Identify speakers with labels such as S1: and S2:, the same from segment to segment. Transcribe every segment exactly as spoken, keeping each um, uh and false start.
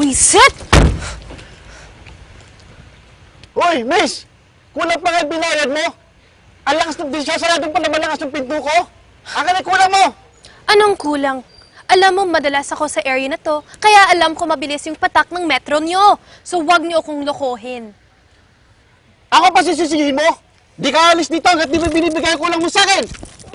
S1: Buisit!
S2: Hoy, miss! Kulang pa nga yung binayad mo? Ang lakas ng disyo, saradong pa naman lakas ng pinto ko. Akin ay kulang mo!
S1: Anong kulang? Alam mo, madalas ako sa area na to, kaya alam ko mabilis yung patak ng metro nyo. So wag nyo akong lokohin.
S2: Ako pa sisisihin mo? Di ka alis dito hanggat di mo binibigay ang kulang mo sa akin!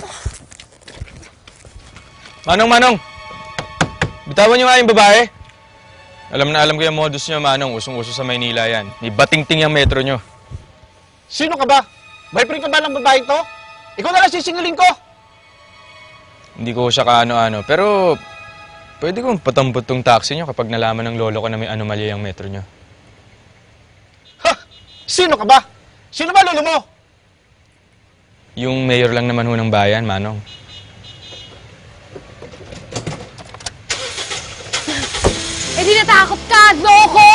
S3: Manong, Manong! Bitawan niyo nga yung babae. Alam na alam ko yung modus niyo, Manong. Usong-uso sa Maynila yan. May bating-ting yung metro niyo.
S2: Sino ka ba? Boyfriend ka ba ng babae to? Ikaw na lang sisingilin ko!
S3: Hindi ko siya kaano-ano. Pero, pwede kong patampot tong taxi niyo kapag nalaman ng lolo ko na may anomalya yung metro niyo.
S2: Ha! Sino ka ba? Sino ba lolo mo?
S3: Yung mayor lang naman ho ng bayan, Manong.
S1: Eh di natakot ka, loko!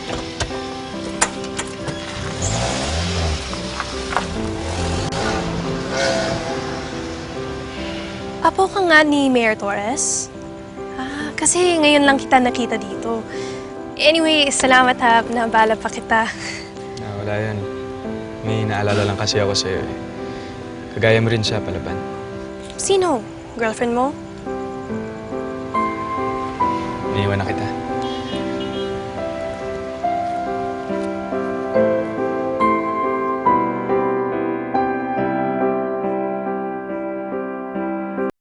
S1: Apo ka nga ni Mayor Torres? Ah, kasi ngayon lang kita nakita dito. Anyway, salamat ha, nabala pa kita.
S3: Na, wala yan. May naalala lang kasi ako sa'yo eh. Kagaya mo rin siya, Palaban.
S1: Sino? Girlfriend mo?
S3: Iniwan na kita.